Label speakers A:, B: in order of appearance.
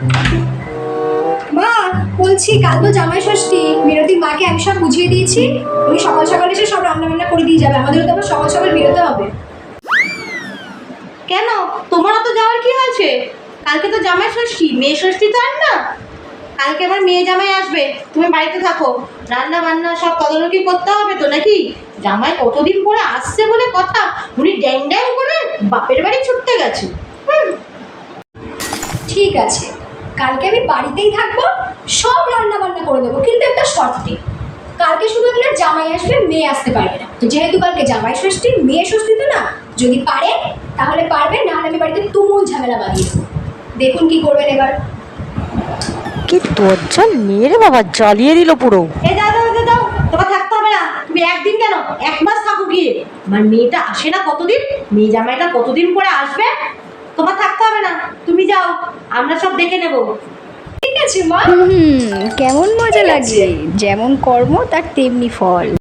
A: মা, বলছি কাল তো জামাই ষষ্ঠী, মিনতির মাকে আমি সব বুঝিয়ে দিয়েছি। উনি সকাল সকাল এসে সব রান্না বান্না করে দিয়ে যাবে। আমাদেরও তো আবার সকাল সকাল বেরোতে হবে।
B: কেন, তোমারও তো যাওয়ার কি আছে? কালকে তো জামাই ষষ্ঠী, মেয়ে ষষ্ঠী তো আর না। কালকে আমার মেয়ে জামাই আসবে, তুমি বাড়িতে থাকো। রান্না বান্না সব তদারকি করতে হবে তো নাকি? জামাই কতদিন পরে আসছে বলে কথা, উনি ড্যাং ড্যাং করে বাপের বাড়ি ছুটতে গেছে।
A: ঠিক আছে, কালকে আমি বাড়িতেই থাকবো, সব রান্না বান্না করে দেবো, কিন্তু একটা শর্তে। কালকে শুধু আপনার জামাই আসবে, মেয়ে আসতে পারবে না। তো যেহেতু কালকে জামাই ষষ্ঠী, মেয়ে ষষ্ঠী তো না, যদি পারে তাহলে পারবে, নাহলে আমি বাড়িতে তুমুল ঝামেলা বাঁধিয়ে দেবো। দেখুন কি করবেন এবার।
C: কি দরজাল মেয়ে রে বাবা, জ্বালিয়ে দিল পুরো।
B: দাও দাও দাও দাও, তোমার থাকতে হবে না। তুমি একদিন কেন, 1 মাস থাকো গিয়ে। আমার মেয়েটা আসে না কতদিন, মেয়ে জামাইটা কতদিন পরে আসবে। তোমার থাকতে হবে না, তুমি যাও, আমরা সব দেখে নেবো।
A: ঠিক আছে মা।
D: কেমন মজা লাগে, যেমন কর্ম তার তেমনি ফল।